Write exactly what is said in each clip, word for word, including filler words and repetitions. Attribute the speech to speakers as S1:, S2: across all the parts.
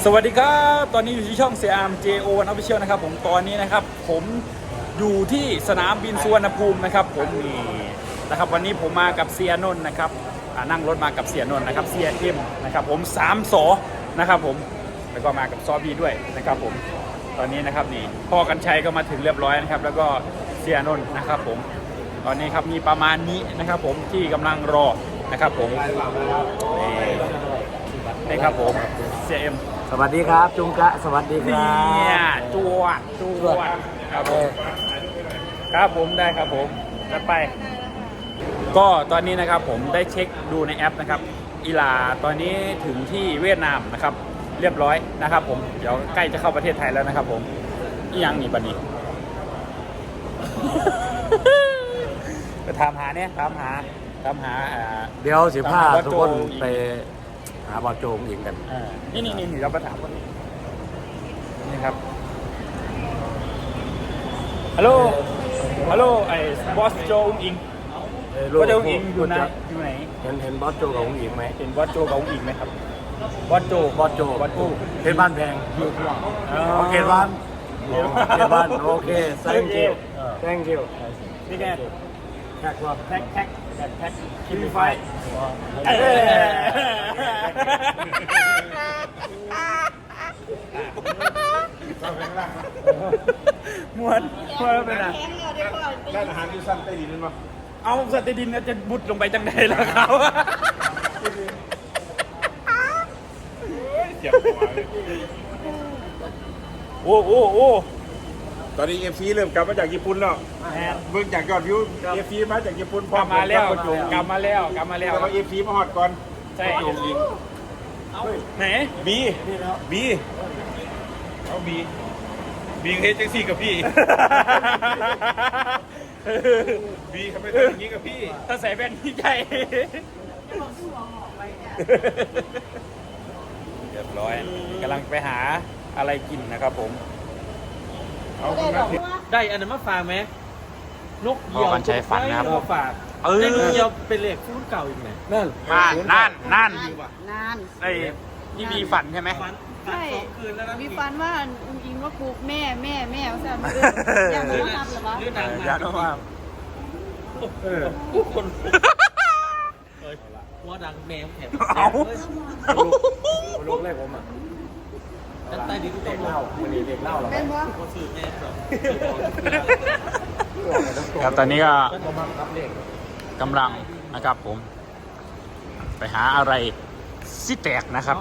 S1: สวัสดีครับตอนนี้อยู่ที่ช่องเสียอาร์ม เจ โอ วัน Official นะครับผมตอนนี้นะครับผมอยู่ที่สนามบินสุวรรณภูมินะครับผมนี่นะครับวันนี้ผมมากับเสียนนท์นะครับนั่งรถมากับเสียนนท์นะครับเสียเอ็มนะครับผมสามสอนะครับผมแล้วก็มากับซอบีด้วยนะครับผมตอนนี้นะครับนี่พ่อกันชัยก็มาถึงเรียบร้อยนะครับแล้วก็เสียนนท์นะครับผมตอนนี้ครับมีประมาณนี้นะครับผมที่กำลังรอนะครับผมนี่นี่ครับผมเสียเอ็ม
S2: สวัสดีครับจุงกะสวัสดีครั
S1: บเนี่ยจวดจวดครับผมครับผมได้ครับผมจะไปก็ตอนนี้นะครับผมได้เช็คดูในแอปนะครับอีลาตอนนี้ถึงที่เวียดนามนะครับเรียบร้อยนะครับผมเดี๋ยวใกล้จะเข้าประเทศไทยแล้วนะครับผมอียังนี่บัดนี้ ไปถามหาเนี่ยถามหาถามหา
S2: เดี๋ยวสิพาทุกคนไปหาบอลโจงอิงกัน
S1: นี่นี่นี่เราไปถามคนนี้นี่ครับฮัลโหลฮัลโหลไอ้บอสโจอุ้งอิงบอสโจอุ้งอิงอยู่ไหนอยู่ไหน
S2: เห็นเห็นบอสโจกับอุ้งอิงไหม
S1: เห็นบอสโจกับอุ้งอิงไหมครับบอสโจ
S2: บอสโจ
S1: บอสโจ
S2: เขตบ้านแพงโอเคบ้านเขตบ้านโอเค thank you thank you
S1: นี่แก
S2: แท็กว่า
S1: แท็กแท็กแท็กแท็กคิมไฟม้วนม้วนเป็นอะ
S3: ร้านอาหารอยู่สั้นใต้ดินนั่นปะ
S1: เอาสัตว์ใต้ดินจะบุดลงไปจังใดล่ะเขา
S3: เจ็บหัวเลย
S1: โอ้โอ้โอ้
S3: ตอนนี้เอฟซีเริ่มกลับมาจากญี่ปุ่นแล้วเบิ่งจากยอดวิวเอฟซีมาจากญี่ปุ่น
S1: กลับมาแล้วกลับมาแล้วกลับมาแล้ว
S3: แต่ว่าเอฟซีมาฮอดก่อน
S1: ใช่ไหน
S3: บีบีเอาบีบีเฮ็ดจังซี่กับพี่บีทำไมทำอย่างนี้กับพี่
S1: ถ้าใส่แว่นพี่ใจเรียบร้อยกำลังไปหาอะไรกินนะครับผม
S2: ได้อันนั้นมาฝากไหมนกเหยี่ยว
S1: กันใช้ฝันนะครับ
S2: มาฝากเออเหยี่ยวเป็นเหล็กฟูนเก่าอีกไหมนั่น
S1: นั่นนั่น
S4: นั่น
S1: ไอ้นี่มีฝันใช่ไหม
S4: ใช่มีฝันว่าอุ้งอิงว่าปลูกแม่แม่แม่ว่าจะมาอยากรู้นับหรือวะ
S1: อยากรู้ว่า
S2: เออคนว่าดังแมวแถบ
S1: เอา
S2: ลูกแรกผมอ่ะใต้ดินเด็กเล่าวันนี้เด็กเล่าหรอ
S4: เป็นวะ
S1: ครับตอนนี้ก็กำลังนะครับผมไปหาอะไรซิแตกนะครับ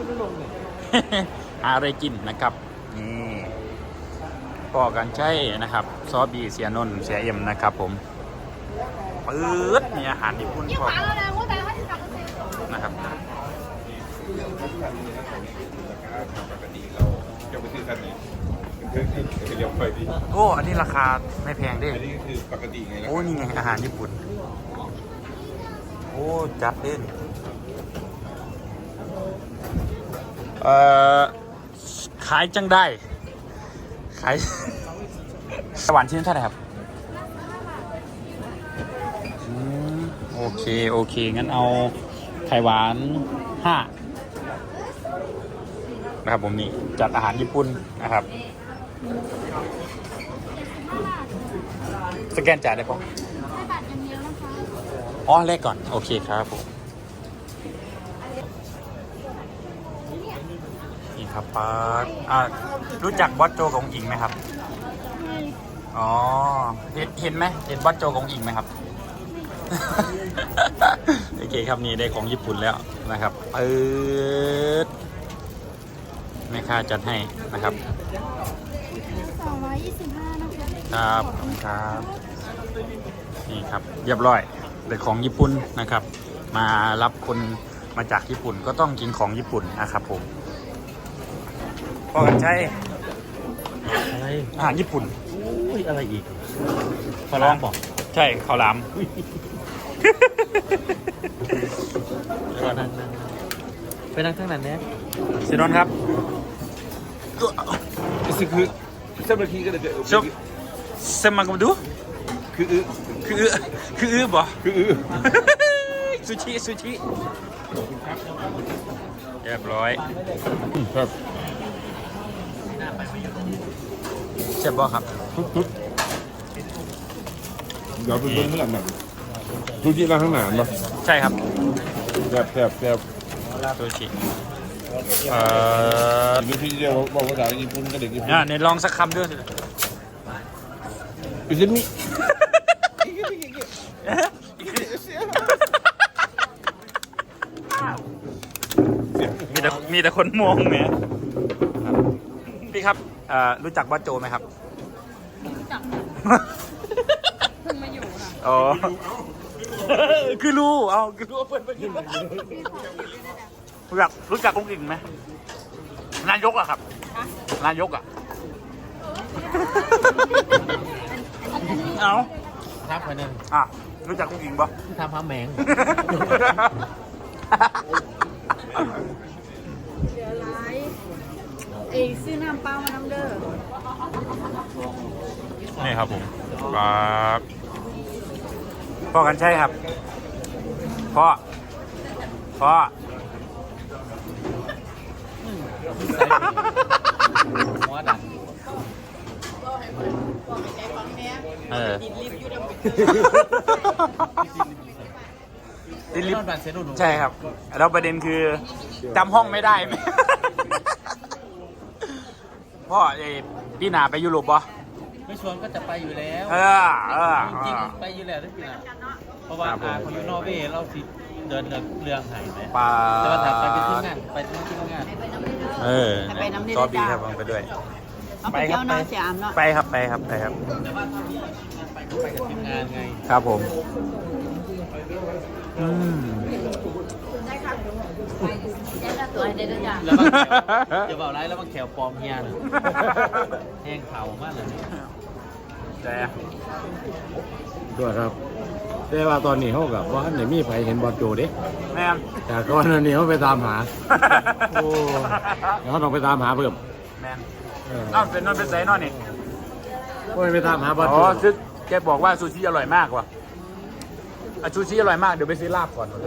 S1: หาอะไรกินนะครับนี่พ่อกันใช่นะครับซอบีเสียนนท์เสียเอ็มนะครับผมปื๊ดมีอาหารญี่ปุ่นพอนะครับโอ้อันนี้ราคาไม่แพงด้วย
S3: อันนี้คือปกติไง
S1: โอ้นี่ไงอาหารญี่ปุ่นโอ้จัดเด่นเอ่อขายจังได้ขายสวรรค์ชิ้นเท่าไหร่ครับโอเคโอเคงั้นเอาไข่หวานห้านะครับผมนี่จัดอาหารญี่ปุ่นนะครับสแกนจ่ายได้ปะอ๋อเลขก่อนโอเคครับผมนี่ครับป้าอ่ารู้จักบอสโจของอิงไหมครับอ๋อเห็นเห็นไหมเห็นบอสโจของอิงไหมครับโอเคครับนี่ได้ของญี่ปุ่นแล้วนะครับเปิดแม่ค้าจัดให้นะครับ
S4: สองร้อยยี่สิบห้านะคะ
S1: ครับครับนี่ครับเรียบร้อยได้ของญี่ปุ่นนะครับมารับคนมาจากญี่ปุ่นก็ต้องกินของญี่ปุ่นนะครับผมพ่อกันใช่
S2: อะไร
S1: อาหารญี่ปุ่น
S2: อุ้ยอะไรอีกขอร้องบอก
S1: ใช่ข้าวหลาม
S2: ไปนั่งข้างนั้นเนี่ย
S1: สินนท์ครับ
S3: นี่คือเส้นบะหมี่ก็เลย
S1: เดี๋ยวเส้นมากันดู
S3: คืออื้อ
S1: คืออื้อคืออื้อบ่
S3: คืออื้อ
S1: ซูชิซูชิเรียบร้อยครับเจ็บบ่ครับ
S3: เดี๋ยวไปเบิ่งเมื่อไหร่ซูชิร้านข้างหน้าเนาะ
S1: ใช่ครับ
S3: แซ่บแซ่บแซ่บ
S1: ซูชิเอ่อ
S3: ซูชิเดียวบอกภาษาญี่ปุ่นกับเด็กญี่ปุ่น
S1: อ่ะเนี่ยลองสักคำด้วยสิ
S3: อิซึมิ
S1: มีแต่มีแต่คนมองแหมพี่ครับเอ่อรู้จักบอสโจไหมครับ
S4: รู้จักเพิ่งมาอยู่ค่ะ
S1: อ๋อคือรู้เอาคือรู้ว่าเพื่อนเพื่อนรู้จักรู้จักกุ้งกิ่งไหมนายกอะครับนายกอะเอา
S2: ครับคนนึง
S1: อ่ะรู้จักกุ้งกิ่งปะ
S2: ที่ทำพาแมง
S4: เหลือร้ายเอ้ยซื้อน้ำเปล่ามาน้ำเด้อ
S1: นี่ครับผมครับพ่อกันใช่ครับพ่อพ่อ
S2: หัวดัง
S1: เออ
S4: ดินรีบอยู่ดำ
S1: ติดลิฟ
S2: นอน
S1: ต์
S2: บันเซนุน
S1: ใช่ครับแล้วประเด็นคือจำห้องไม่ได้ไหม พ่อเอพี่หนาไปยุโรปปะ
S2: ไม่ชวนก็จะไปอยู่แล้ว
S1: เออเออ
S2: จริงๆไปอยู่แล้วทุกปีนะเพราะว่าอาเขาอยู่นอร์เวย์เราสิเดินเรื่องเรื่องหายไหม
S1: ปลา
S2: แต่ว่าถ้าไปเป็นที่งานไปที่ที่งาน
S1: เออ
S4: ไปน้ำเด้อ
S1: ซอบีครับผมไปด้วย
S4: เอาไปเที่ยวน้อยเสียอามเนาะ
S1: ไปครับไปครับไปครับ
S2: แต่ว่าถ้ามีไปก็ไปกับทีมงานไง
S1: ครับผมอืม
S4: ได้ครับแย่ตัวให้ได้ด้วยจ้ะ
S2: แล้วบางแถวจะบอกไรแล้วบางแถวปลอมเฮียนะแห้งเผามากเลย
S1: แต่
S2: ด้วยครับแต่ว่าตอนนี้เขากับว่าไหนมีใครเห็นบอลโจดิ
S1: แม่น
S2: แต่ก่อนนี้เขาไปตามหาโอ้เดี๋ยวเขาต้องไปตามหาเพิ่ม
S1: แม่นเอ้าเป็นนอนเป็นไสนอนนี่
S2: ก็ไปตามหาบอล
S1: อ๋
S2: โจ
S1: อคือแกบอกว่าซูชิอร่อยมากว่ะอ่ะซูชิอร่อยมากเดี๋ยวไปซื้อลาบก่อนเลย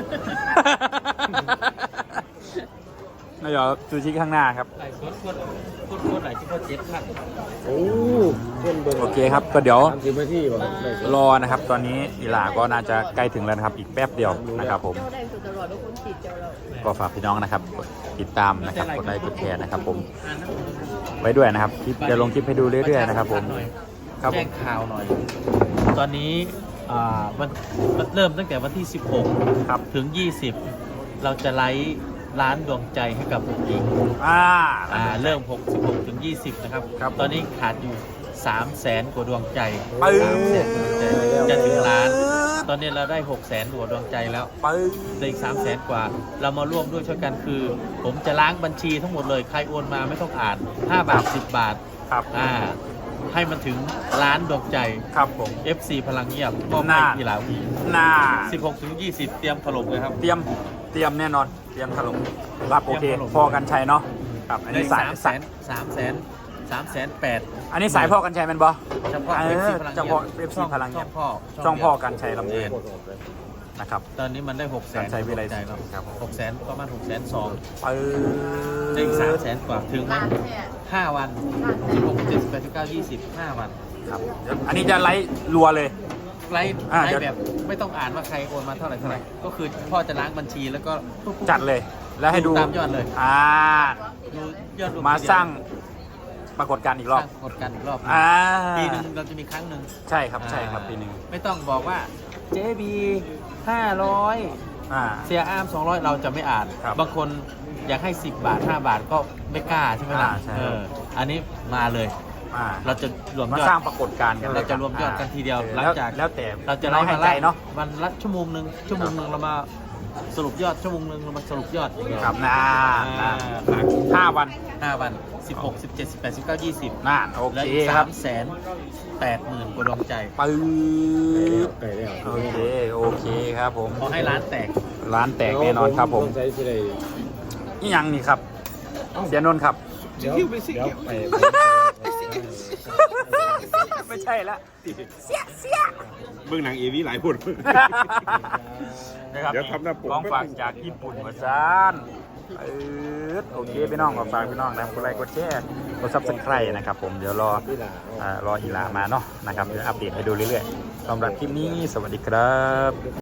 S1: นายอซูชิข้างหน้าครับ
S2: ไอ้คนคนคนคนไหนที่เขาเจ็บขัน
S3: โอ้เพื่อนเบิ่ง
S1: โอเคครับก็เดี๋ยว
S3: สามสิบนาทีป่ะ
S1: รอนะครับ ตอนนี้อีหลาก็น่าจะใกล้ถึงแล้วนะครับ อีกแป๊บเดียวนะครับผม
S4: เจ้าได้สุดตลอดแล้วคุณติดเจ้าเรา
S1: ก็ฝากพี่น้องนะครับกดติดตามนะครับกดไลค์กดแชร์นะครับ ผมไว้ด้วยนะครับคลิปจะลงคลิปให้ดูเรื่อยๆนะครับ ผมครับผ
S2: แจ้
S1: ม
S2: งข่าวหน่อย ตอนนี้อ่ามันมันเริ่มตั้งแต่วันที่ สิบหก
S1: ครับ
S2: ถึง ยี่สิบ เราจะไลฟ์ร้านดวงใจให้กับผู้หญิง
S1: อ่า
S2: อ่าเริ่มหกสิบหกถึงยี่สิบนะครับ
S1: ครับ
S2: ตอนนี้ขาดอยู่สามแสนกว่าดวงใจ
S1: ปึ้ง
S2: สามแสนกว่าดวงใจจะถึงล้าน ตอนนี้เราได้หกแสนกว่าดวงใจแล้ว
S1: ปึ้ง
S2: เหลืออีกสามแสนกว่า เรามาร่วมด้วยช่วยกันคือ ผมจะล้างบัญชีทั้งหมดเลย ใครโอนมาไม่ต้องอ่านห้าบาทสิบบาท
S1: ครับ
S2: อ่าให้มันถึงล้านดวงใจ
S1: ครับผม
S2: เอฟ ซี พลังเงียบมอบให้
S1: น่า
S2: กีฬาวี
S1: หน้า
S2: สิบหกถึงยี่สิบ เตรียมถล่มเลยครับ
S1: เตรียมเตรียมแน่นอนเตรียมถล่มรับโอเค
S2: เตรียมถล่ม
S1: พ่อกันชัยเนาะครับอัน
S2: ได้
S1: นี้สาย
S2: สามแส
S1: สาย
S2: นสามแสนสามแสนแปด
S1: อันนี้สายพ่อกันชัยแมันบอ
S2: เฉพาะ
S1: เอ
S2: เอฟ
S1: อ
S2: ซีพลัง
S1: เฉ
S2: เงีย
S1: พาะ
S2: บ
S1: เอฟซีพลังเงียบ
S2: ช่องพ่อ
S1: ช่องพ่อกันชัยลำเนินนะครับ
S2: ตอนนี้มันได้หกแสน
S1: การใช้วิไล
S2: ใจแล้ว
S1: ครับ
S2: หกแสนประมาณหกแสนสอง
S1: ปึ้
S2: ได้อีกสามแส
S1: ง
S2: นกว่าถึงไหมห้าวันสิบหกเจ็ดสิบแปดสิบเก้ายี่สิบห้าวัน
S1: ครับเดี๋ยวอันนี้จะไลฟ์รัวเลย
S2: ไลฟ์
S1: อ่า
S2: ไล
S1: เดี๋ยว
S2: ฟ์แบบไม่ต้องอ่านว่าใครโอนมาเท่าไหร่เท่าไหร่ก็คือพ่อจะล้างบัญชีแล้วก็
S1: จัดเลย แล้วให้ดู
S2: ตามยอดเลย
S1: อ่า
S2: ดูยอดรว
S1: มา
S2: ทีเดียว
S1: สร้างปรากฏการณ์อีกรอบ
S2: สร้างกฎการอีกรอบ
S1: อ่า
S2: ปีหนึ่งเราจะมีครั้งหนึ่ง
S1: ใช่ครับใช่ครับปีหนึ่ง
S2: ไม่ต้องบอกว่าเจบีห้าร้อย
S1: อ่า
S2: เสียอาร์มสองร้อยเราจะไม่อ่าน
S1: ครับ
S2: บางคนอยากให้สิบบาทห้าบาทก็ไม่กล้าใช่ไหมล่ะ
S1: อ่าใช่
S2: เอออันนี้มาเลย
S1: อ่า
S2: เราจะรวม
S1: มาย
S2: อ
S1: สร้าง
S2: ด
S1: ปรากฏการณ์กันล
S2: เราจะรวมยอดกันทีเดียว
S1: ออ
S2: หลังจาก
S1: แล้วแต่
S2: เราจะ
S1: ไล่
S2: ไล่
S1: ให้
S2: มา
S1: ใจ
S2: ละ
S1: เนาะ
S2: วันละชั่วโมงหนึ่งชั่วโมงหนึ่งเรามาสรุปยอดชั่วโมงหนึ่งเรามาสรุปยอดอย่างเงี้ย
S1: ครับนะ
S2: อ่า
S1: ห้าวัน
S2: ห้าวันสิบหกสิบเจ็ดสิบแปดสิบเก้ายี่สิบ
S1: น่านโอ
S2: และ
S1: เค
S2: อีก
S1: ค
S2: สา
S1: รับ
S2: มแสนแปดหมื่นกว่าดวงใจ
S1: ปื๊ด
S3: ไก่แล้ว
S1: โอเคโอเคครับผม
S2: ขอให้ร้านแตก
S1: ร้านแตกแน่นอนครับผม
S3: ใช้สิได้
S1: นี่ยังนี่ครับ เสียนนท์ครับ
S3: เดี๋ยวเดี๋ยวไป
S1: ไม่ใช่ละ
S3: เบื้องหนังเอวีหลายคน
S1: นะครับ
S3: เดี๋ยวทำหน้าปก
S1: ของฝากจากญี่ปุ่นมาซานเออโอเคพี่น้องขอฝากพี่น้องนะกดไลค์กดแชร์กดซับสไครต์นะครับผมเดี๋ยวรออ่ารออีหลามาเนาะนะครับเดี๋ยวอัปเดตให้ดูเรื่อยๆสำหรับคลิปนี้สวัสดีครับ